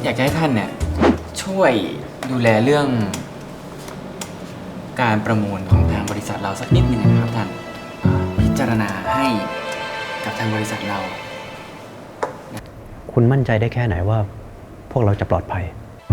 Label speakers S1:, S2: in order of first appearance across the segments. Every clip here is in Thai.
S1: อยากจะให้ท่านเนี่ยช่วยดูแลเรื่องการประมูลของทางบริษัทเราสักนิดหนึ่งนะครับท่านพิจารณาให้กับทางบริษัทเรา
S2: คุณมั่นใจได้แค่ไหนว่าพวกเราจะปลอดภัย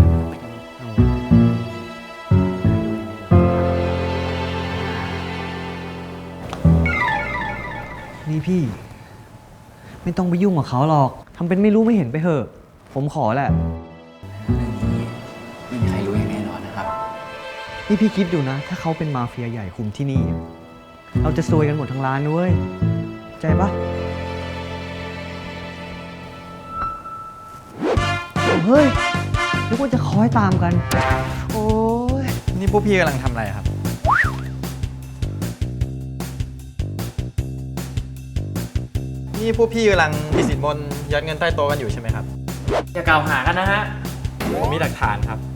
S3: นี่พี่ ไม่ต้องไปยุ่งกับเขาหรอกทำเป็นไม่รู้ไม่เห็นไปเถอะ ผมขอแหละ
S1: เรื่องนี้ไม่มีใครรู้อย่างแน่นอนนะครับ
S3: นี่พี่คิดดูนะ ถ้าเขาเป็นมาเฟียใหญ่คุมที่นี่ เราจะซวยกันหมดทั้งร้านด้วยใจปะเฮ้ยนึกว่าจะคอยตามกัน โอ้ย
S4: นี่พวกพี่กำลังทำอะไรครับ นี่พวกพี่กำลังมีสินบนยัดเงินใต้โต๊ะกันอยู่ใช่ไหมครับ
S1: อย่ากล่าวหากันนะฮะ
S4: ผมมีหลักฐานครับ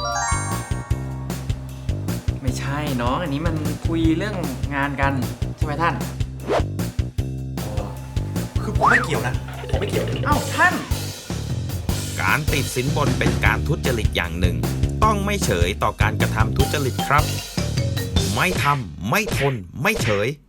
S1: ไม่ใช่น้องอันนี้มันคุยเรื่องงานกันใช่ไหมท่าน
S5: คือผมไม่เกี่ยวนะ ผมไม่เกี่ยว
S1: เอ้าท่าน
S6: การติดสินบนเป็นการทุจริตอย่างหนึ่ง ต้องไม่เฉยต่อการกระทำทุจริตครับ ไม่ทำไม่ทนไม่เฉย